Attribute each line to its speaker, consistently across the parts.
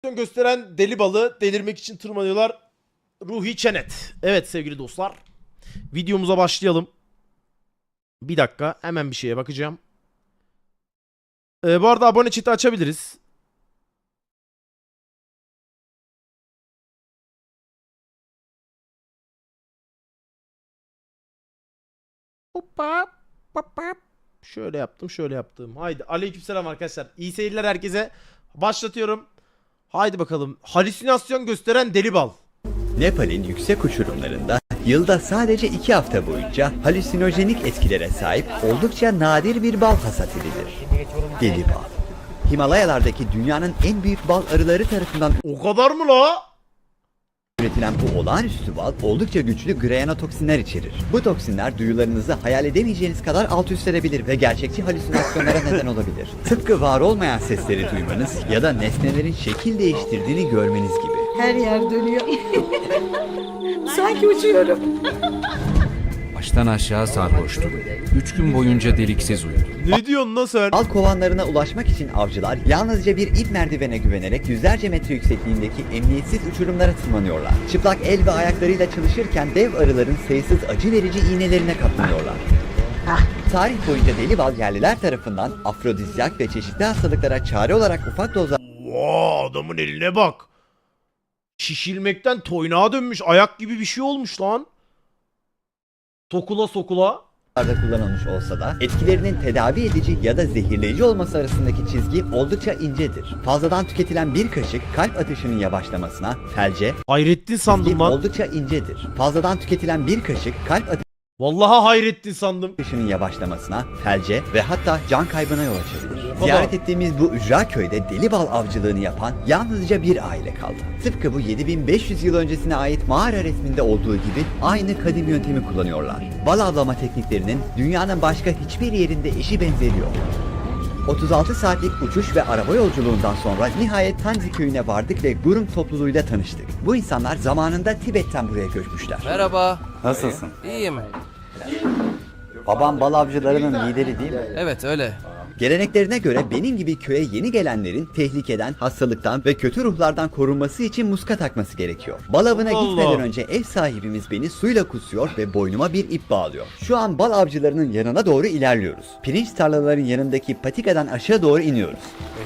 Speaker 1: halüsinasyon gösteren deli balı delirmek için tırmanıyorlar. Ruhi Çenet. Evet sevgili dostlar. Videomuza başlayalım. Bir dakika hemen bir şeye bakacağım. Bu arada abone chat'i açabiliriz. Hoppa, hoppa. Şöyle yaptım, şöyle yaptım. Haydi aleykümselam arkadaşlar. İyi seyirler herkese. Başlatıyorum. Haydi bakalım. Halüsinasyon gösteren deli bal.
Speaker 2: Nepal'in yüksek uçurumlarında yılda sadece 2 hafta boyunca halüsinojenik etkilere sahip oldukça nadir bir bal hasat edilir. Deli bal. Himalayalardaki dünyanın en büyük bal arıları tarafından
Speaker 1: O kadar mı la?
Speaker 2: üretilen bu olağanüstü bal oldukça güçlü grayanotoksinler içerir. Bu toksinler duyularınızı hayal edemeyeceğiniz kadar alt üst edebilir ve gerçekçi halüsinasyonlara neden olabilir. Tıpkı var olmayan sesleri duymanız ya da nesnelerin şekil değiştirdiğini görmeniz gibi.
Speaker 3: Her yer dönüyor. Sanki uçuyorum.
Speaker 4: Baştan aşağı sarhoştum. 3 gün boyunca deliksiz uyudum.
Speaker 1: Ne diyorsun lan sen?
Speaker 2: Bal kovanlarına ulaşmak için avcılar yalnızca bir ip merdivene güvenerek yüzlerce metre yüksekliğindeki emniyetsiz uçurumlara tırmanıyorlar. Çıplak el ve ayaklarıyla çalışırken dev arıların sayısız acı verici iğnelerine katlanıyorlar. Tarih boyunca deli bal yerliler tarafından afrodizyak ve çeşitli hastalıklara çare olarak ufak dozlarda
Speaker 1: Wow, adamın eline bak. Şişilmekten toynağa dönmüş. Ayak gibi bir şey olmuş lan. Sokula sokula.
Speaker 2: kullanılmış olsa da etkilerinin tedavi edici ya da zehirleyici olması arasındaki çizgi oldukça incedir. Fazladan tüketilen bir kaşık kalp atışının yavaşlamasına, felce,
Speaker 1: Hayrettin sandım lan.
Speaker 2: oldukça incedir. Fazladan tüketilen bir kaşık kalp
Speaker 1: Vallahi Hayrettin sandım.
Speaker 2: atışının yavaşlamasına, felce ve hatta can kaybına yol açabilir. Ziyaret ettiğimiz bu ücra köyde deli bal avcılığını yapan yalnızca bir aile kaldı. Tıpkı bu 7500 yıl öncesine ait mağara resminde olduğu gibi aynı kadim yöntemi kullanıyorlar. Bal avlama tekniklerinin dünyanın başka hiçbir yerinde eşi benzeri yok. 36 saatlik uçuş ve araba yolculuğundan sonra nihayet Tanzi köyüne vardık ve Gurung topluluğuyla tanıştık. Bu insanlar zamanında Tibet'ten buraya göçmüşler.
Speaker 5: Merhaba.
Speaker 2: Nasılsın?
Speaker 5: İyiyim.
Speaker 2: Babam bal avcılarının lideri değil mi?
Speaker 5: Evet öyle.
Speaker 2: Geleneklerine göre benim gibi köye yeni gelenlerin tehlikeden, hastalıktan ve kötü ruhlardan korunması için muska takması gerekiyor. Bal avına
Speaker 1: Allah.
Speaker 2: gitmeden önce ev sahibimiz beni suyla kusuyor ve boynuma bir ip bağlıyor. Şu an bal avcılarının yanına doğru ilerliyoruz. Pirinç tarlaların yanındaki patikadan aşağı doğru iniyoruz.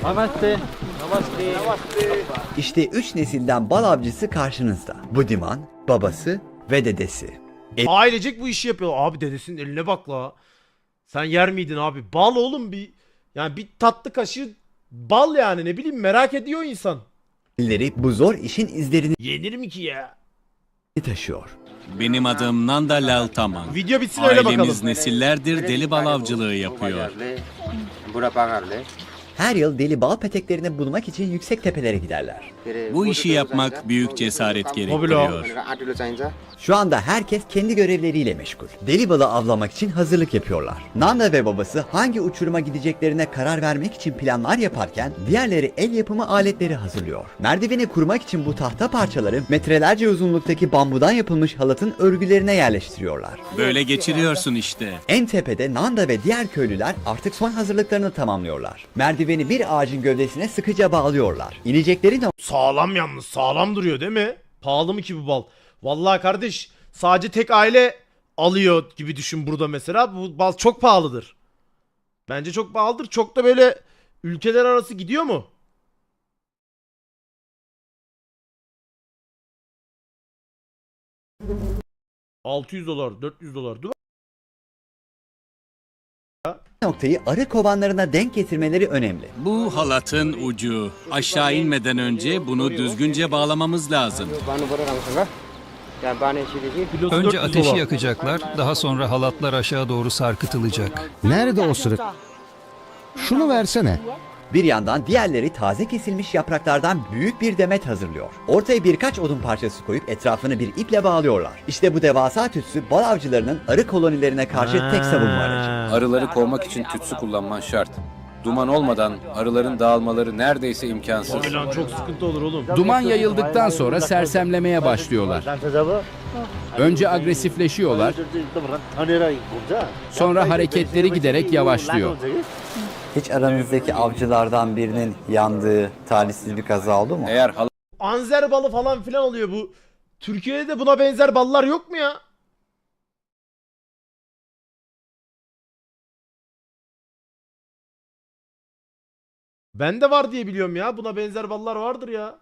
Speaker 2: İşte 3 nesilden bal avcısı karşınızda. Budiman, babası ve dedesi.
Speaker 1: Ailecek bu işi yapıyor. Abi dedesinin eline bak la. Sen yer miydin abi? Bal oğlum bir. Yani bir tatlı kaşığı bal yani ne bileyim merak ediyor insan.
Speaker 2: Elleri bu zor işin izlerini
Speaker 1: Yenir mi ki ya?
Speaker 2: taşıyor.
Speaker 6: Benim adım Nanda Lal Taman.
Speaker 1: Video bitsin öyle bakalım.
Speaker 6: Ailemiz nesillerdir deli bal avcılığı yapıyor.
Speaker 2: Her yıl deli bal peteklerini bulmak için yüksek tepelere giderler.
Speaker 6: Bu işi yapmak büyük cesaret gerektiriyor.
Speaker 2: Şu anda herkes kendi görevleriyle meşgul. Deli balı avlamak için hazırlık yapıyorlar. Nanda ve babası hangi uçuruma gideceklerine karar vermek için planlar yaparken diğerleri el yapımı aletleri hazırlıyor. Merdiveni kurmak için bu tahta parçaları metrelerce uzunluktaki bambudan yapılmış halatın örgülerine yerleştiriyorlar.
Speaker 6: Böyle geçiriyorsun işte.
Speaker 2: En tepede Nanda ve diğer köylüler artık son hazırlıklarını tamamlıyorlar. Merdiveni bir ağacın gövdesine sıkıca bağlıyorlar. İnecekleri
Speaker 1: Sağlam yalnız sağlam duruyor değil mi? Pahalı mı ki bu bal? Vallahi kardeş sadece tek aile alıyor gibi düşün burada mesela. Bu bal çok pahalıdır. Bence çok pahalıdır. Çok da böyle ülkeler arası gidiyor mu? $600, $400 değil mi?
Speaker 2: noktayı arı kovanlarına denk getirmeleri önemli.
Speaker 6: Bu halatın ucu. Aşağı inmeden önce bunu düzgünce bağlamamız lazım.
Speaker 1: Kilosu
Speaker 4: Önce
Speaker 1: $400.
Speaker 4: ateşi yakacaklar, daha sonra halatlar aşağı doğru sarkıtılacak.
Speaker 7: Nerede o sırık? Şunu versene.
Speaker 2: Bir yandan diğerleri taze kesilmiş yapraklardan büyük bir demet hazırlıyor. Ortaya birkaç odun parçası koyup etrafını bir iple bağlıyorlar. İşte bu devasa tütsü bal avcılarının arı kolonilerine karşı tek savunma aracı.
Speaker 8: Arıları kovmak için tütsü kullanman şart. Duman olmadan arıların dağılmaları neredeyse imkansız.
Speaker 1: Abi lan çok sıkıntı olur oğlum.
Speaker 9: Duman yayıldıktan sonra sersemlemeye başlıyorlar. Önce agresifleşiyorlar, sonra hareketleri giderek yavaşlıyor.
Speaker 2: Hiç aranızdaki avcılardan birinin yandığı talihsiz bir kaza oldu mu?
Speaker 8: Eğer
Speaker 1: Anzer balı falan filan oluyor bu. Türkiye'de de buna benzer ballar yok mu ya? Bende var diye biliyorum ya. Buna benzer ballar vardır ya.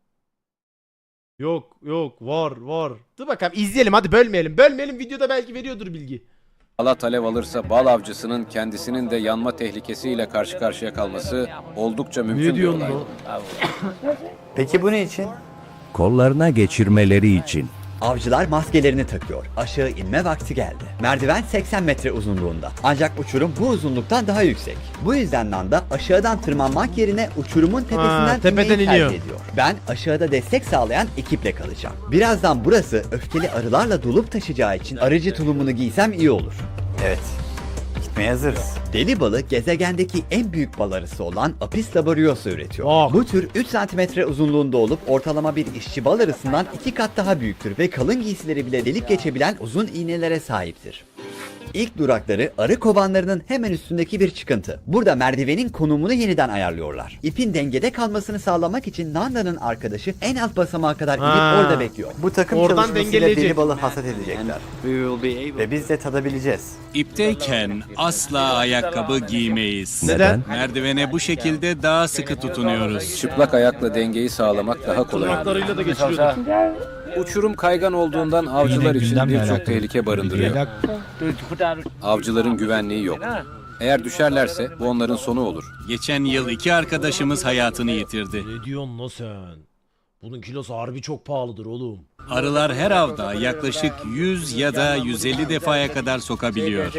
Speaker 1: Yok yok var. Dur bakalım izleyelim hadi bölmeyelim. Bölmeyelim videoda belki veriyordur bilgi.
Speaker 8: halat alev alırsa bal avcısının kendisinin de yanma tehlikesiyle karşı karşıya kalması oldukça mümkün
Speaker 1: Ne
Speaker 8: bir
Speaker 1: diyorsun
Speaker 8: olay.
Speaker 1: lan?
Speaker 2: Peki bu ne için?
Speaker 5: Kollarına geçirmeleri için.
Speaker 2: Avcılar maskelerini takıyor. Aşağı inme vakti geldi. Merdiven 80 metre uzunluğunda. Ancak uçurum bu uzunluktan daha yüksek. Bu yüzden Nanda aşağıdan tırmanmak yerine uçurumun tepesinden
Speaker 1: tepeden
Speaker 2: inmeyi
Speaker 1: iniyor.
Speaker 2: tercih ediyor. Ben aşağıda destek sağlayan ekiple kalacağım. Birazdan burası öfkeli arılarla dolup taşacağı için arıcı tulumunu giysem iyi olur. Evet. Gitmeye hazırız. Deli balı gezegendeki en büyük bal arısı olan Apis laboriosa üretiyor.
Speaker 1: Bak.
Speaker 2: Bu tür 3 cm uzunluğunda olup ortalama bir işçi bal arısından 2 kat daha büyüktür ve kalın giysileri bile delip geçebilen uzun iğnelere sahiptir. İlk durakları arı kovanlarının hemen üstündeki bir çıkıntı. Burada merdivenin konumunu yeniden ayarlıyorlar. İpin dengede kalmasını sağlamak için Nanda'nın arkadaşı en alt basamağa kadar inip
Speaker 1: Ha.
Speaker 2: orada bekliyor. Bu takım
Speaker 1: Oradan
Speaker 2: çalışmasıyla
Speaker 1: dengeleyecek.
Speaker 2: deli balı hasat edecekler. Ve biz de tadabileceğiz.
Speaker 6: İpteyken asla ayakkabı giymeyiz.
Speaker 1: Neden?
Speaker 6: Merdivene bu şekilde daha sıkı tutunuyoruz.
Speaker 8: Çıplak ayakla dengeyi sağlamak daha kolay.
Speaker 1: Tırnaklarıyla da geçiriyordu.
Speaker 8: Uçurum kaygan olduğundan avcılar için birçok tehlike barındırıyor. Avcıların güvenliği yok. Eğer düşerlerse bu onların sonu olur.
Speaker 6: Geçen yıl 2 arkadaşımız hayatını yitirdi.
Speaker 1: Ne diyorsun lan sen? Bunun kilosu harbi çok pahalıdır oğlum.
Speaker 6: Arılar her avda yaklaşık 100 ya da 150 defaya kadar sokabiliyor.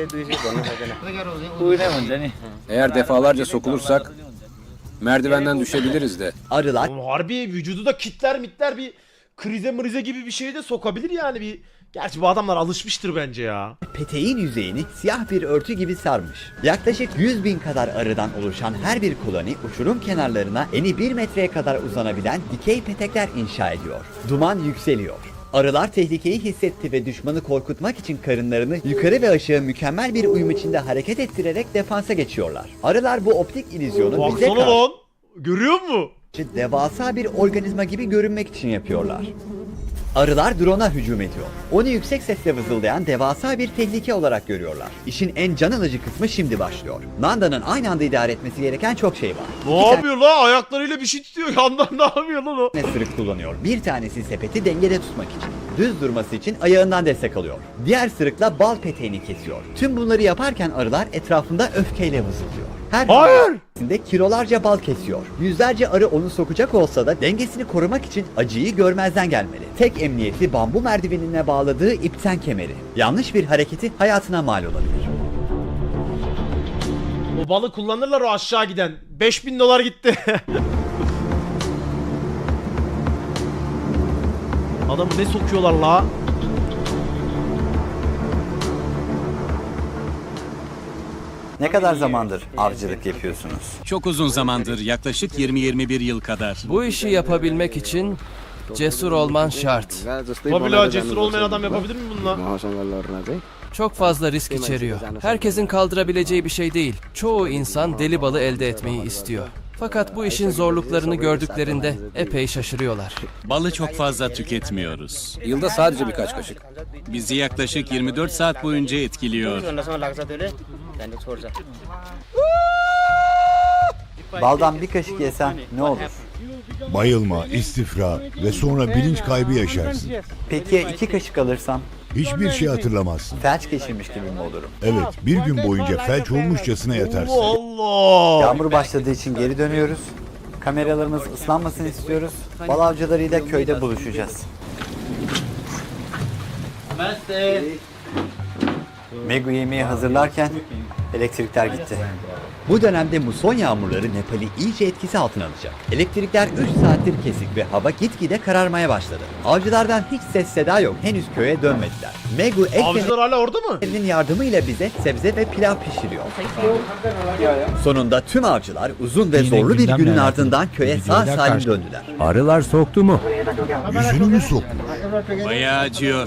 Speaker 8: Eğer defalarca sokulursak merdivenden düşebiliriz de.
Speaker 2: Arılar
Speaker 1: Oğlum harbi vücudu da kitler mitler bir krize mrize gibi bir şey de sokabilir yani bir. Gerçi bu adamlar alışmıştır bence ya.
Speaker 2: peteğin yüzeyini siyah bir örtü gibi sarmış. Yaklaşık 100.000 kadar arıdan oluşan her bir koloni uçurum kenarlarına eni 1 metreye kadar uzanabilen dikey petekler inşa ediyor. Duman yükseliyor. Arılar tehlikeyi hissetti ve düşmanı korkutmak için karınlarını yukarı ve aşağı mükemmel bir uyum içinde hareket ettirerek defansa geçiyorlar. Arılar bu optik illüzyonu bize
Speaker 1: Baksana
Speaker 2: karşı
Speaker 1: lan. Görüyor musun?
Speaker 2: devasa bir organizma gibi görünmek için yapıyorlar. Arılar drone'a hücum ediyor. Onu yüksek sesle vızıldayan devasa bir tehlike olarak görüyorlar. İşin en can alıcı kısmı şimdi başlıyor. Nanda'nın aynı anda idare etmesi gereken çok şey var.
Speaker 1: Ne yapıyor la? Ayaklarıyla bir şey tutuyor. Yandan ne yapıyor lan o?
Speaker 2: İki tane sırık kullanıyor. Bir tanesi sepeti dengede tutmak için. Düz durması için ayağından destek alıyor. Diğer sırıkla bal peteğini kesiyor. Tüm bunları yaparken arılar etrafında öfkeyle vızıldıyor. Her
Speaker 1: Hayır!
Speaker 2: hamlesinde kilolarca bal kesiyor. Yüzlerce arı onu sokacak olsa da dengesini korumak için acıyı görmezden gelmeli. Tek emniyeti bambu merdivenine bağladığı ipten kemeri. Yanlış bir hareketi hayatına mal olabilir.
Speaker 1: O balı kullanırlar o aşağı giden. 5000 dolar gitti. Adamı ne sokuyorlar la?
Speaker 2: Ne kadar zamandır avcılık yapıyorsunuz?
Speaker 6: Çok uzun zamandır, yaklaşık 20-21 yıl kadar.
Speaker 10: Bu işi yapabilmek için cesur olman şart.
Speaker 1: Tabii la cesur olmayan adam yapabilir mi bunu la?
Speaker 10: Çok fazla risk içeriyor. Herkesin kaldırabileceği bir şey değil. Çoğu insan deli balı elde etmeyi istiyor. Fakat bu işin zorluklarını gördüklerinde epey şaşırıyorlar.
Speaker 6: Balı çok fazla tüketmiyoruz.
Speaker 8: Yılda sadece birkaç kaşık.
Speaker 6: Bizi yaklaşık 24 saat boyunca etkiliyor.
Speaker 2: Baldan bir kaşık yesen ne olur?
Speaker 7: Bayılma, istifra ve sonra bilinç kaybı yaşarsın.
Speaker 2: Peki ya 2 kaşık alırsam?
Speaker 7: Hiçbir şey hatırlamazsın.
Speaker 2: Felç geçirmiş gibi mi olurum?
Speaker 7: Evet, bir gün boyunca felç olmuşçasına yatarsın.
Speaker 1: Allah!
Speaker 2: Yağmur başladığı için geri dönüyoruz. Kameralarımız ıslanmasını istiyoruz. Bal avcılarıyla köyde buluşacağız. Megu yemeği hazırlarken elektrikler gitti. Bu dönemde muson yağmurları Nepal'i iyice etkisi altına alacak. Elektrikler 3 saattir kesik ve hava gitgide kararmaya başladı. Avcılardan hiç ses seda yok. Henüz köye dönmediler. Megu
Speaker 1: Avcılar hala orada mı?
Speaker 2: ekmeğinin yardımıyla bize sebze ve pilav pişiriyor. Sonunda tüm avcılar uzun ve zorlu bir günün ardından köye sağ salim döndüler.
Speaker 5: Arılar soktu mu?
Speaker 7: Yüzünü mü sok?
Speaker 6: Bayağı acıyor.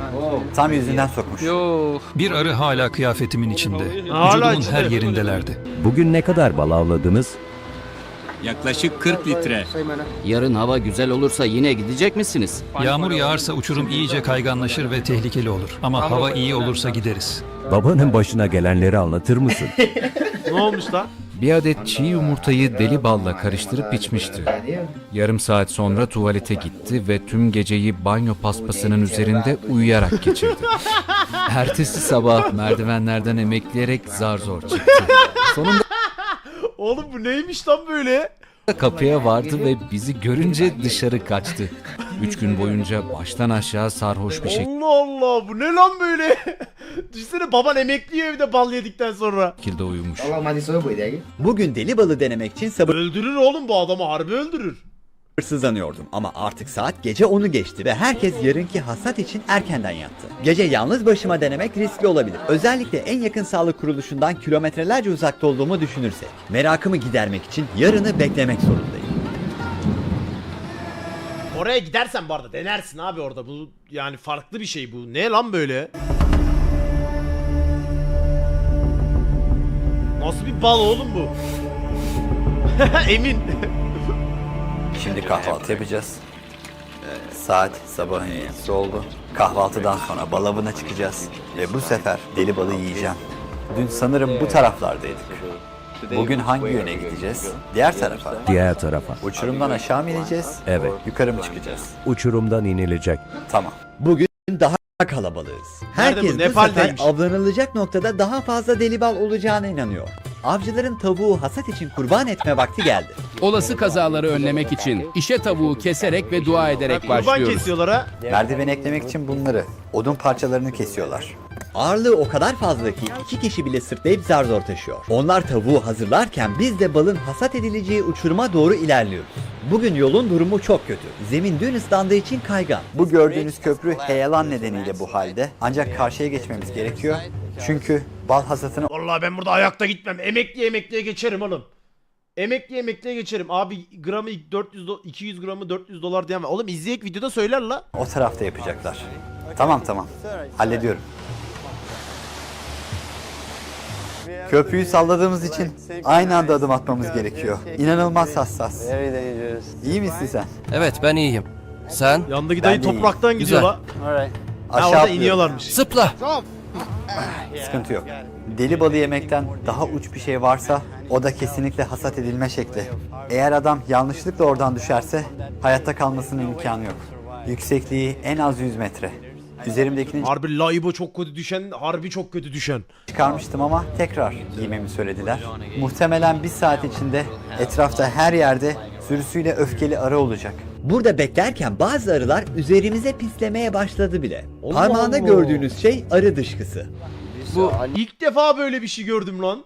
Speaker 2: Tam yüzünden sokmuş.
Speaker 11: Bir arı hala kıyafetimin içinde.
Speaker 1: Hala
Speaker 11: Vücudumun
Speaker 1: içinde.
Speaker 11: her yerindelerdi.
Speaker 5: Bugün ne kadar bal avladınız?
Speaker 6: Yaklaşık 40 litre.
Speaker 10: Yarın hava güzel olursa yine gidecek misiniz?
Speaker 11: Yağmur yağarsa uçurum iyice kayganlaşır ve tehlikeli olur. Ama hava iyi olursa gideriz.
Speaker 5: Babanın başına gelenleri anlatır mısın?
Speaker 1: Ne olmuş lan?
Speaker 4: Bir adet çiğ yumurtayı deli balla karıştırıp içmişti. Yarım saat sonra tuvalete gitti ve tüm geceyi banyo paspasının üzerinde uyuyarak geçirdi. Ertesi sabah merdivenlerden emekleyerek zar zor çıktı. Sonunda
Speaker 1: Oğlum bu neymiş lan böyle?
Speaker 4: kapıya vardı ve bizi görünce dışarı kaçtı. 3 gün boyunca baştan aşağı sarhoş bir
Speaker 1: Allah Allah, bu ne lan böyle? Düşünsene, baban emekliyor evde bal yedikten sonra.
Speaker 4: şekilde uyumuş.
Speaker 2: Bugün deli balı denemek için
Speaker 1: Öldürür oğlum, bu adamı harbi öldürür.
Speaker 2: sabırsızlanıyordum ama artık saat gece 10'u geçti ve herkes yarınki hasat için erkenden yattı. Gece yalnız başıma denemek riskli olabilir. Özellikle en yakın sağlık kuruluşundan kilometrelerce uzakta olduğumu düşünürsek. Merakımı gidermek için yarını beklemek zorundayım.
Speaker 1: Oraya gidersen bu arada denersin abi orada. Bu yani farklı bir şey bu. Ne lan böyle? Nasıl bir bal oğlum bu? Emin.
Speaker 2: Şimdi kahvaltı yapacağız. Saat sabahın 7'si oldu. Kahvaltıdan sonra bal avına çıkacağız. Ve bu sefer deli balı yiyeceğim. Dün sanırım bu taraflardaydık. Bugün hangi yöne gideceğiz? Diğer tarafa.
Speaker 5: Diğer tarafa.
Speaker 2: Uçurumdan aşağı mı ineceğiz?
Speaker 5: Evet.
Speaker 2: Yukarı mı çıkacağız?
Speaker 5: Uçurumdan inilecek.
Speaker 2: Tamam. Bugün daha kalabalığız.
Speaker 1: Nerede bu?
Speaker 2: Herkes bu sefer
Speaker 1: Nepal'deymiş.
Speaker 2: avlanılacak noktada daha fazla deli bal olacağına inanıyor. Avcıların tavuğu hasat için kurban etme vakti geldi.
Speaker 9: Olası kazaları önlemek için işe tavuğu keserek ve dua ederek
Speaker 1: Kurban
Speaker 9: başlıyoruz.
Speaker 1: kesiyorlar ha.
Speaker 2: Merdiven eklemek için bunları, odun parçalarını kesiyorlar. Ağırlığı o kadar fazla ki 2 kişi bile sırtlayıp zar zor taşıyor. Onlar tavuğu hazırlarken biz de balın hasat edileceği uçuruma doğru ilerliyoruz. Bugün yolun durumu çok kötü. Zemin dün ıslandığı için kaygan. Bu gördüğünüz köprü heyelan nedeniyle bu halde. Ancak karşıya geçmemiz gerekiyor. Çünkü bal hasatını
Speaker 1: Vallahi ben burada ayakta gitmem. Emekliye geçerim oğlum. Emekliye geçerim. Abi gramı 200 gramı 400 dolar diyen var. Oğlum izleyek, videoda söyler la.
Speaker 2: o tarafta yapacaklar. Tamam. Hallediyorum. Köprüyü salladığımız için aynı anda adım atmamız gerekiyor. İnanılmaz hassas. İyi misin sen?
Speaker 10: Evet, ben iyiyim. Sen?
Speaker 1: Yandaki dayı
Speaker 2: Ben de iyiyim.
Speaker 1: topraktan gidiyor
Speaker 10: Güzel.
Speaker 1: la. Ha,
Speaker 2: Aşağı
Speaker 1: orada
Speaker 2: atlıyorum.
Speaker 1: iniyorlarmış.
Speaker 10: Zıpla!
Speaker 2: Sıkıntı yok. Deli balı yemekten daha uç bir şey varsa o da kesinlikle hasat edilme şekli. Eğer adam yanlışlıkla oradan düşerse hayatta kalmasının imkanı yok. Yüksekliği en az 100 metre. Üzerimdekini
Speaker 1: Harbi laibo çok kötü düşen, harbi çok kötü düşen.
Speaker 2: çıkarmıştım ama tekrar giymemi söylediler. Muhtemelen bir saat içinde etrafta her yerde sürüsüyle öfkeli arı olacak. Burada beklerken bazı arılar üzerimize pislemeye başladı bile.
Speaker 1: Allah
Speaker 2: Parmağında
Speaker 1: Allah.
Speaker 2: gördüğünüz şey arı dışkısı.
Speaker 10: Bu
Speaker 1: İlk defa böyle bir şey gördüm lan.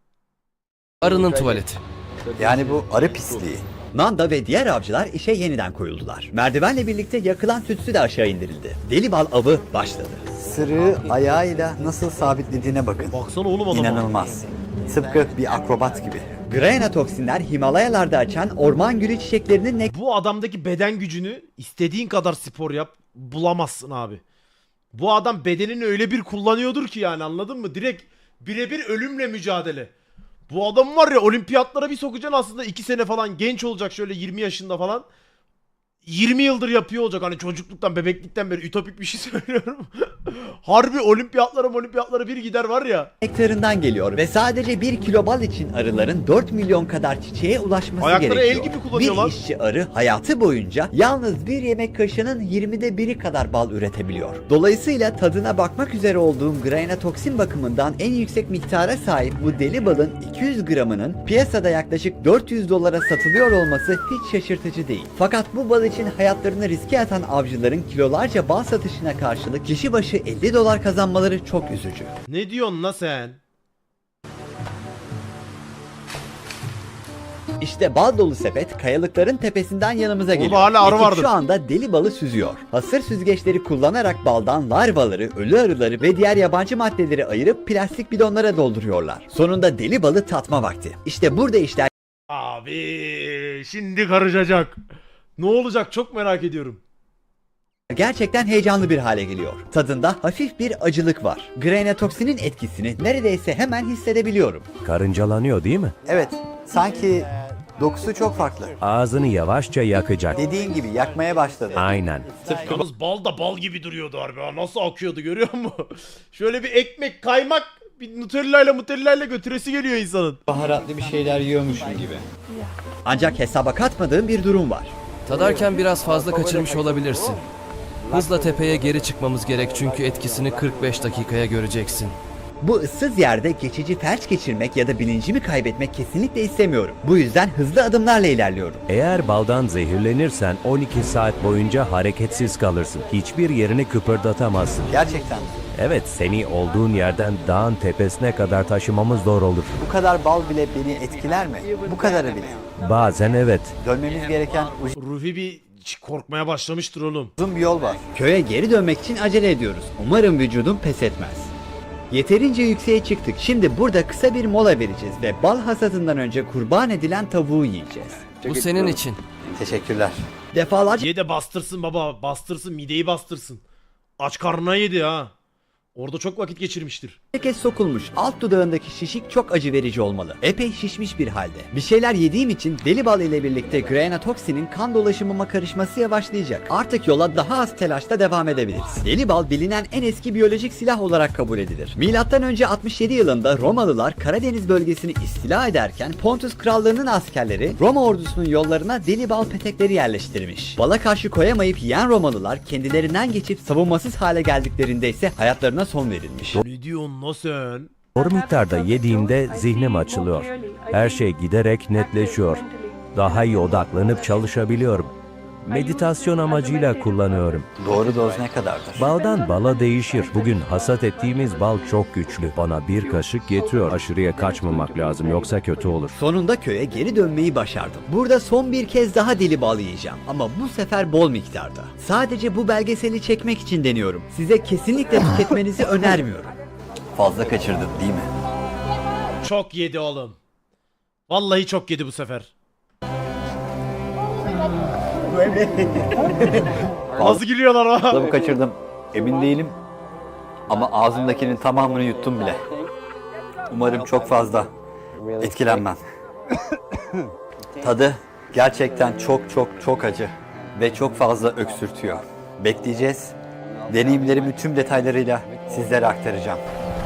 Speaker 10: arının tuvaleti.
Speaker 2: Yani bu arı pisliği. Nanda ve diğer avcılar işe yeniden koyuldular. Merdivenle birlikte yakılan tütsü de aşağı indirildi. Deli bal avı başladı. Sırığı ayağıyla nasıl sabitlediğine bakın.
Speaker 1: Baksana oğlum adama.
Speaker 2: İnanılmaz. Tıpkı bir akrobat gibi. Grana toksinler Himalayalarda açan orman gülü çiçeklerinin
Speaker 1: Bu adamdaki beden gücünü istediğin kadar spor yap bulamazsın abi. Bu adam bedenini öyle bir kullanıyordur ki, yani anladın mı? Direkt birebir ölümle mücadele. Bu adam var ya, olimpiyatlara bir sokacaksın aslında 2 sene falan genç olacak, şöyle 20 yaşında falan. 20 yıldır yapıyor olacak, hani çocukluktan bebeklikten beri ütopik bir şey söylüyorum. Harbi olimpiyatlara bir gider var ya.
Speaker 2: nektarından geliyor ve sadece 1 kilo bal için arıların 4 milyon kadar çiçeğe ulaşması
Speaker 1: Ayakları el
Speaker 2: gerekiyor.
Speaker 1: gibi kullanıyorlar.
Speaker 2: Bir işçi arı hayatı boyunca yalnız bir yemek kaşığının 20'de 1'i kadar bal üretebiliyor. Dolayısıyla tadına bakmak üzere olduğum grana toksin bakımından en yüksek miktara sahip bu deli balın 200 gramının piyasada yaklaşık 400 dolara satılıyor olması hiç şaşırtıcı değil. Fakat bu bal için hayatlarını riske atan avcıların kilolarca bal satışına karşılık kişi başı 50 dolar kazanmaları çok üzücü.
Speaker 1: Ne diyorsun la sen?
Speaker 2: İşte bal dolu sepet kayalıkların tepesinden yanımıza geliyor.
Speaker 1: hala arı
Speaker 2: Ekip
Speaker 1: vardır.
Speaker 2: şu anda deli balı süzüyor. Hasır süzgeçleri kullanarak baldan larvaları, ölü arıları ve diğer yabancı maddeleri ayırıp plastik bidonlara dolduruyorlar. Sonunda deli balı tatma vakti. İşte burada işler
Speaker 1: Abi şimdi karışacak. Ne olacak çok merak ediyorum.
Speaker 2: gerçekten heyecanlı bir hale geliyor. Tadında hafif bir acılık var. Granatoksinin etkisini neredeyse hemen hissedebiliyorum.
Speaker 5: Karıncalanıyor değil mi?
Speaker 2: Evet, sanki dokusu çok farklı.
Speaker 5: Ağzını yavaşça yakacak.
Speaker 2: Dediğin gibi yakmaya başladı.
Speaker 5: Aynen.
Speaker 1: Yalnız bal da bal gibi duruyordu harbi ha. Nasıl akıyordu görüyor musun? Şöyle bir ekmek, kaymak, bir Nutella ile götüresi geliyor insanın.
Speaker 2: Baharatlı bir şeyler yiyormuşum gibi. Ancak hesaba katmadığım bir durum var.
Speaker 10: Tadarken biraz fazla kaçırmış olabilirsin. Hızla tepeye geri çıkmamız gerek çünkü etkisini 45 dakikaya göreceksin.
Speaker 2: Bu ıssız yerde geçici felç geçirmek ya da bilincimi kaybetmek kesinlikle istemiyorum. Bu yüzden hızlı adımlarla ilerliyorum.
Speaker 5: Eğer baldan zehirlenirsen 12 saat boyunca hareketsiz kalırsın. Hiçbir yerini kıpırdatamazsın.
Speaker 2: Gerçekten.
Speaker 5: Evet, seni olduğun yerden dağın tepesine kadar taşımamız zor olur.
Speaker 2: Bu kadar bal bile beni etkiler mi? Bu kadarı bile.
Speaker 5: Bazen evet.
Speaker 2: Dönmemiz gereken
Speaker 1: Ruhi bir korkmaya başlamıştır oğlum.
Speaker 2: uzun bir yol var. Köye geri dönmek için acele ediyoruz. Umarım vücudum pes etmez. Yeterince yükseğe çıktık. Şimdi burada kısa bir mola vereceğiz ve bal hasadından önce kurban edilen tavuğu yiyeceğiz.
Speaker 10: Bu senin için.
Speaker 2: Teşekkürler. Defalarca
Speaker 1: Ye de bastırsın baba. Bastırsın, mideyi bastırsın. Aç karnına yedi ha. Orada çok vakit geçirmiştir.
Speaker 2: kez sokulmuş. Alt dudağındaki şişik çok acı verici olmalı. Epey şişmiş bir halde. Bir şeyler yediğim için deli bal ile birlikte granatoksinin kan dolaşımıma karışması yavaşlayacak. Artık yola daha az telaşla devam edebiliriz. Deli bal bilinen en eski biyolojik silah olarak kabul edilir. Milattan önce 67 yılında Romalılar Karadeniz bölgesini istila ederken Pontus Krallığı'nın askerleri Roma ordusunun yollarına deli bal petekleri yerleştirmiş. Bala karşı koyamayıp yiyen Romalılar kendilerinden geçip savunmasız hale geldiklerinde ise hayatlarına son verilmiş.
Speaker 1: Ne diyorsun lan sen?
Speaker 5: Doğru miktarda yediğimde zihnim açılıyor. Her şey giderek netleşiyor. Daha iyi odaklanıp çalışabiliyorum. Meditasyon amacıyla kullanıyorum.
Speaker 2: Doğru doz ne kadardır?
Speaker 5: Baldan bala değişir. Bugün hasat ettiğimiz bal çok güçlü. Bana bir kaşık yetiyor. Aşırıya kaçmamak lazım yoksa kötü olur.
Speaker 2: Sonunda köye geri dönmeyi başardım. Burada son bir kez daha deli bal yiyeceğim ama bu sefer bol miktarda. Sadece bu belgeseli çekmek için deniyorum. Size kesinlikle tüketmenizi önermiyorum. Fazla kaçırdın değil mi?
Speaker 1: Çok yedi oğlum. Vallahi çok yedi bu sefer. Nasıl gülüyorlar ha?
Speaker 2: Fazla kaçırdım. Emin değilim. Ama ağzımdakinin tamamını yuttum bile. Umarım çok fazla etkilenmem. Tadı gerçekten çok acı ve çok fazla öksürtüyor. Bekleyeceğiz. Deneyimlerimi tüm detaylarıyla sizlere aktaracağım.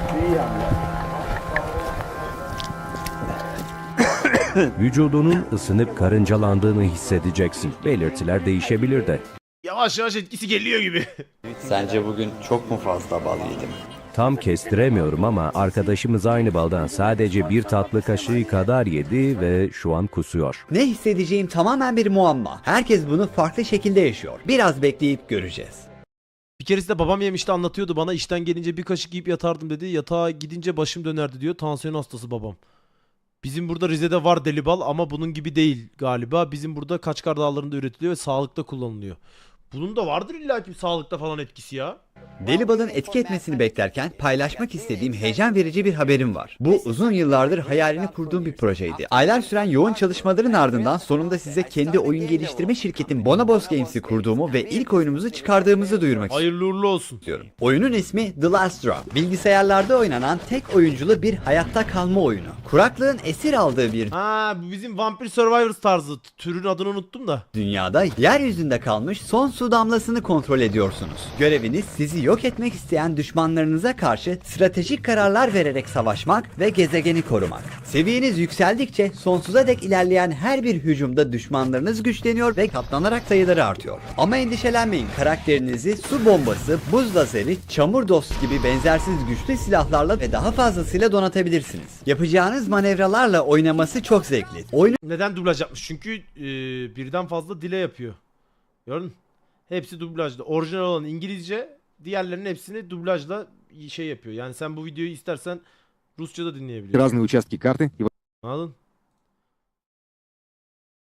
Speaker 5: Vücudunun ısınıp karıncalandığını hissedeceksin. Belirtiler değişebilir de.
Speaker 1: Yavaş yavaş etkisi geliyor gibi.
Speaker 2: Sence bugün çok mu fazla bal yedim?
Speaker 5: Tam kestiremiyorum ama arkadaşımız aynı baldan sadece bir tatlı kaşığı kadar yedi ve şu an kusuyor.
Speaker 2: Ne hissedeceğim tamamen bir muamma. Herkes bunu farklı şekilde yaşıyor. Biraz bekleyip göreceğiz.
Speaker 1: Bir keresinde babam yemişti anlatıyordu bana, işten gelince bir kaşık yiyip yatardım dedi. Yatağa gidince başım dönerdi diyor. Tansiyon hastası babam. Bizim burada Rize'de var deli bal ama bunun gibi değil galiba. Bizim burada Kaçkar Dağları'nda üretiliyor ve sağlıkta kullanılıyor. Bunun da vardır illaki sağlıkta falan etkisi ya.
Speaker 2: Deli balın etki etmesini beklerken paylaşmak istediğim heyecan verici bir haberim var. Bu uzun yıllardır hayalini kurduğum bir projeydi. Aylar süren yoğun çalışmaların ardından sonunda size kendi oyun geliştirme şirketim Bonobos Games'i kurduğumu ve ilk oyunumuzu çıkardığımızı duyurmak
Speaker 1: Hayırlı uğurlu olsun.
Speaker 2: istiyorum. Oyunun ismi The Last Drop. Bilgisayarlarda oynanan tek oyunculu bir hayatta kalma oyunu. Kuraklığın esir aldığı bir
Speaker 1: Ha, bu bizim Vampire Survivors tarzı. Türün adını unuttum da.
Speaker 2: dünyada yeryüzünde kalmış son su damlasını kontrol ediyorsunuz. Göreviniz sizi yok etmek isteyen düşmanlarınıza karşı stratejik kararlar vererek savaşmak ve gezegeni korumak. Seviyeniz yükseldikçe sonsuza dek ilerleyen her bir hücumda düşmanlarınız güçleniyor ve katlanarak sayıları artıyor. Ama endişelenmeyin, karakterinizi su bombası, buz lazeri, çamur dost gibi benzersiz güçlü silahlarla ve daha fazlasıyla donatabilirsiniz. Yapacağınız manevralarla oynaması çok zevkli. Oyunun
Speaker 1: Neden dublaj yapmış? Çünkü birden fazla dile yapıyor. Gördün mü? Hepsi dublajda. Orijinal olan İngilizce, diğerlerinin hepsini dublajla şey yapıyor. Yani sen bu videoyu istersen Rusça da dinleyebiliyorsun.
Speaker 11: Разные участки карты.
Speaker 1: Anladın?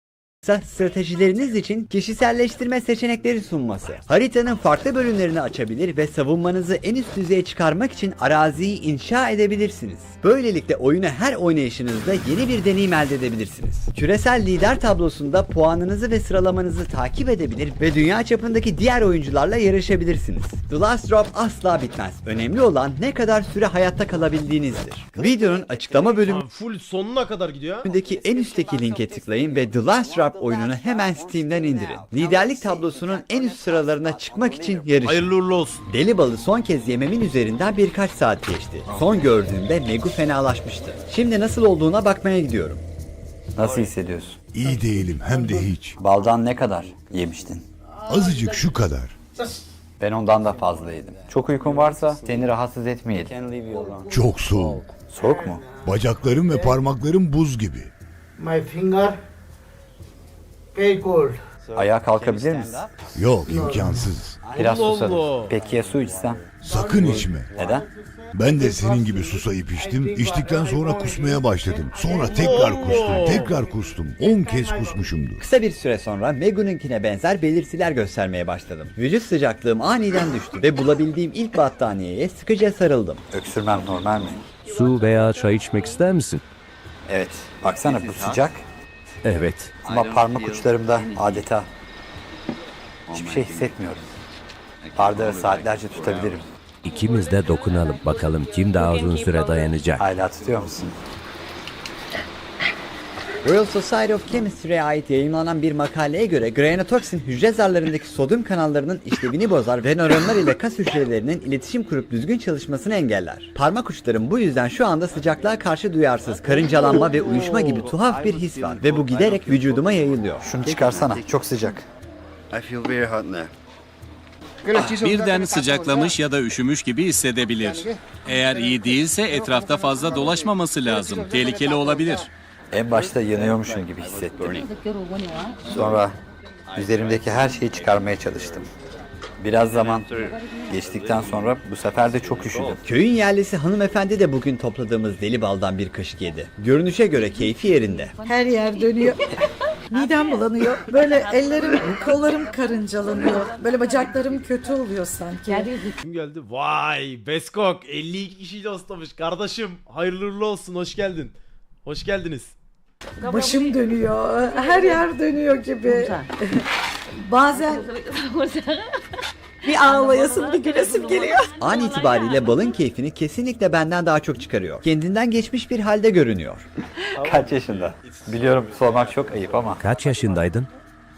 Speaker 2: ise stratejileriniz için kişiselleştirme seçenekleri sunması. Haritanın farklı bölümlerini açabilir ve savunmanızı en üst düzeye çıkarmak için araziyi inşa edebilirsiniz. Böylelikle oyunu her oynayışınızda yeni bir deneyim elde edebilirsiniz. Küresel lider tablosunda puanınızı ve sıralamanızı takip edebilir ve dünya çapındaki diğer oyuncularla yarışabilirsiniz. The Last Drop asla bitmez. Önemli olan ne kadar süre hayatta kalabildiğinizdir. Videonun açıklama bölümündeki
Speaker 1: Full sonuna kadar gidiyor.
Speaker 2: en üstteki linke tıklayın ve The Last Drop oyununu hemen Steam'den indirin. Liderlik tablosunun en üst sıralarına çıkmak için yarışın.
Speaker 1: Hayırlı uğurlu olsun.
Speaker 2: Deli balı son kez yememin üzerinden birkaç saat geçti. Son gördüğümde Megu fenalaşmıştı. Şimdi nasıl olduğuna bakmaya gidiyorum.
Speaker 12: Nasıl hissediyorsun?
Speaker 7: İyi değilim hem de hiç.
Speaker 12: Baldan ne kadar yemiştin?
Speaker 7: Azıcık şu kadar.
Speaker 12: Ben ondan da fazla yedim. Çok uykun varsa seni rahatsız etmeyelim.
Speaker 7: Çok soğuk.
Speaker 12: Soğuk mu?
Speaker 7: Bacaklarım ve parmaklarım buz gibi.
Speaker 3: My finger very cold.
Speaker 12: Ayağa kalkabilir misin?
Speaker 7: Yok, imkansız.
Speaker 12: Biraz
Speaker 1: Allah
Speaker 12: susadım.
Speaker 1: Allah.
Speaker 12: Peki ya su içsem?
Speaker 7: Sakın içme.
Speaker 12: Neden?
Speaker 7: Ben de senin gibi susayıp içtim. İçtikten sonra kusmaya başladım. Sonra tekrar kustum. 10 kez kusmuşumdur.
Speaker 2: Kısa bir süre sonra Megu'nunkine benzer belirtiler göstermeye başladım. Vücut sıcaklığım aniden düştü ve bulabildiğim ilk battaniyeye sıkıca sarıldım.
Speaker 12: Öksürmem normal mi?
Speaker 5: Su veya çay içmek ister misin?
Speaker 12: Evet. Baksana bu sıcak.
Speaker 5: Evet.
Speaker 12: Ama parmak uçlarımda adeta hiçbir şey hissetmiyorum. Bardağı saatlerce tutabilirim.
Speaker 5: İkimiz de dokunalım bakalım kim daha uzun süre dayanacak.
Speaker 12: Hala tutuyor musun?
Speaker 2: Royal Society of Chemistry'e ait yayınlanan bir makaleye göre granatoksin hücre zarlarındaki sodyum kanallarının işlevini bozar ve nöronlar ile kas hücrelerinin iletişim kurup düzgün çalışmasını engeller. Parmak uçlarım bu yüzden şu anda sıcaklığa karşı duyarsız, karıncalanma ve uyuşma gibi tuhaf bir his var ve bu giderek vücuduma yayılıyor.
Speaker 12: Şunu çıkarsana. Çok sıcak.
Speaker 6: Birden sıcaklamış ya da üşümüş gibi hissedebilir. Eğer iyi değilse etrafta fazla dolaşmaması lazım. Tehlikeli olabilir.
Speaker 12: En başta yanıyormuşum gibi hissettim. Sonra üzerimdeki her şeyi çıkarmaya çalıştım. Biraz zaman geçtikten sonra bu sefer de çok üşüdüm.
Speaker 2: Köyün yerlisi hanımefendi de bugün topladığımız deli baldan bir kaşık yedi. Görünüşe göre keyfi yerinde.
Speaker 3: Her yer dönüyor. Midem bulanıyor. Böyle ellerim, kollarım karıncalanıyor. Böyle bacaklarım kötü oluyor sanki.
Speaker 1: Kim geldi? Vay Beskok 52 kişiyle hostlamış. Kardeşim hayırlı uğurlu olsun, hoş geldin. Hoş geldiniz.
Speaker 3: Başım dönüyor. Her yer dönüyor gibi. Bazen bir ağlayasım, bir gülesim geliyor.
Speaker 2: An itibariyle balın keyfini kesinlikle benden daha çok çıkarıyor. Kendinden geçmiş bir halde görünüyor.
Speaker 12: Kaç yaşında? Biliyorum sormak çok ayıp ama.
Speaker 5: Kaç yaşındaydın?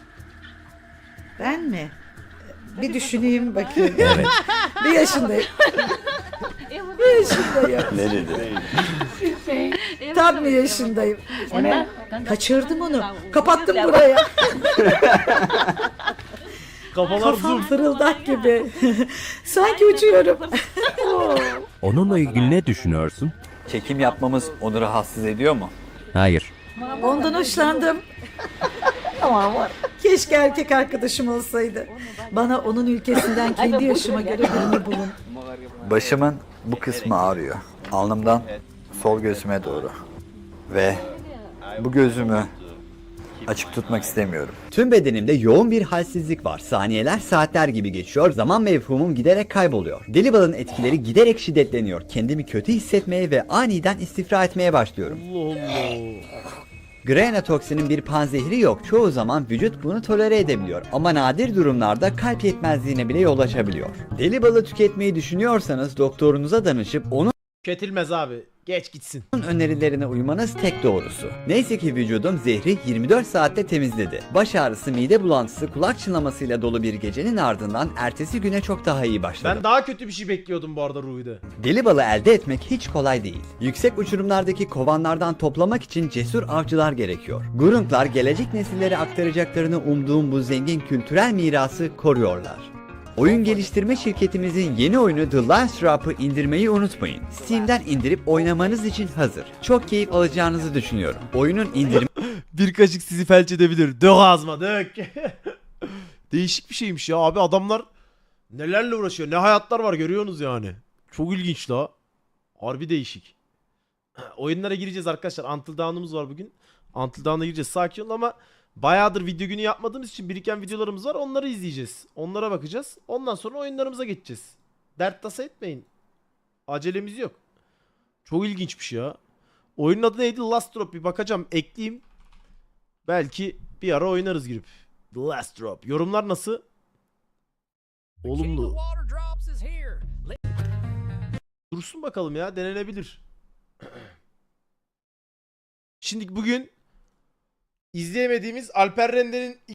Speaker 3: Ben mi? Bir düşüneyim bakayım.
Speaker 5: Evet.
Speaker 3: Bir yaşındayım. Bir yaşındayım.
Speaker 12: Ne dedi?
Speaker 3: Tam bir yaşındayım. Kaçırdım onu. Kapattım buraya.
Speaker 1: Kafalar
Speaker 3: Kafam
Speaker 1: zoom.
Speaker 3: fırıldak gibi. Sanki uçuyorum.
Speaker 5: Onunla ilgili ne düşünüyorsun?
Speaker 12: Çekim yapmamız onu rahatsız ediyor mu?
Speaker 5: Hayır.
Speaker 3: Ondan hoşlandım. Keşke erkek arkadaşım olsaydı. Bana onun ülkesinden kendi yaşıma göre birini bulun.
Speaker 12: Başımın bu kısmı ağrıyor. Alnımdan sol gözüme doğru. Ve bu gözümü açık tutmak istemiyorum.
Speaker 2: Tüm bedenimde yoğun bir halsizlik var. Saniyeler saatler gibi geçiyor. Zaman mefhumum giderek kayboluyor. Deli balın etkileri giderek şiddetleniyor. Kendimi kötü hissetmeye ve aniden istifra etmeye başlıyorum.
Speaker 1: Allah Allah.
Speaker 2: Granatoksinin bir panzehri yok. Çoğu zaman vücut bunu tolere edebiliyor. Ama nadir durumlarda kalp yetmezliğine bile yol açabiliyor. Deli balı tüketmeyi düşünüyorsanız doktorunuza danışıp onun
Speaker 1: Tüketilmez abi. Geç gitsin.
Speaker 2: önerilerine uymanız tek doğrusu. Neyse ki vücudum zehri 24 saatte temizledi. Baş ağrısı, mide bulantısı, kulak çınlamasıyla dolu bir gecenin ardından ertesi güne çok daha iyi başladım.
Speaker 1: Ben daha kötü bir şey bekliyordum bu arada Ruhi'de.
Speaker 2: Deli balı elde etmek hiç kolay değil. Yüksek uçurumlardaki kovanlardan toplamak için cesur avcılar gerekiyor. Gurunglar gelecek nesillere aktaracaklarını umduğum bu zengin kültürel mirası koruyorlar. Oyun geliştirme şirketimizin yeni oyunu The Last Drop'ı indirmeyi unutmayın. Steam'den indirip oynamanız için hazır. Çok keyif alacağınızı düşünüyorum. Oyunun indirme
Speaker 1: Bir kaşık sizi felç edebilir. Dök ağzıma dök. Değişik bir şeymiş ya abi, adamlar nelerle uğraşıyor. Ne hayatlar var görüyorsunuz yani. Çok ilginç la. Harbi değişik. Oyunlara gireceğiz arkadaşlar. Until Dawn'umuz var bugün. Until Dawn'a gireceğiz. Sakin ol ama bayağıdır video günü yapmadığımız için biriken videolarımız var. Onları izleyeceğiz. Onlara bakacağız. Ondan sonra oyunlarımıza geçeceğiz. Dert tasa etmeyin. Acelemiz yok. Çok ilginçmiş ya. Oyunun adı neydi? Last Drop. Bir bakacağım. Ekleyeyim. Belki bir ara oynarız girip. The Last Drop. Yorumlar nasıl? Olumlu. Dursun bakalım ya. Denenebilir. Şimdi bugün izleyemediğimiz Alper Rende'nin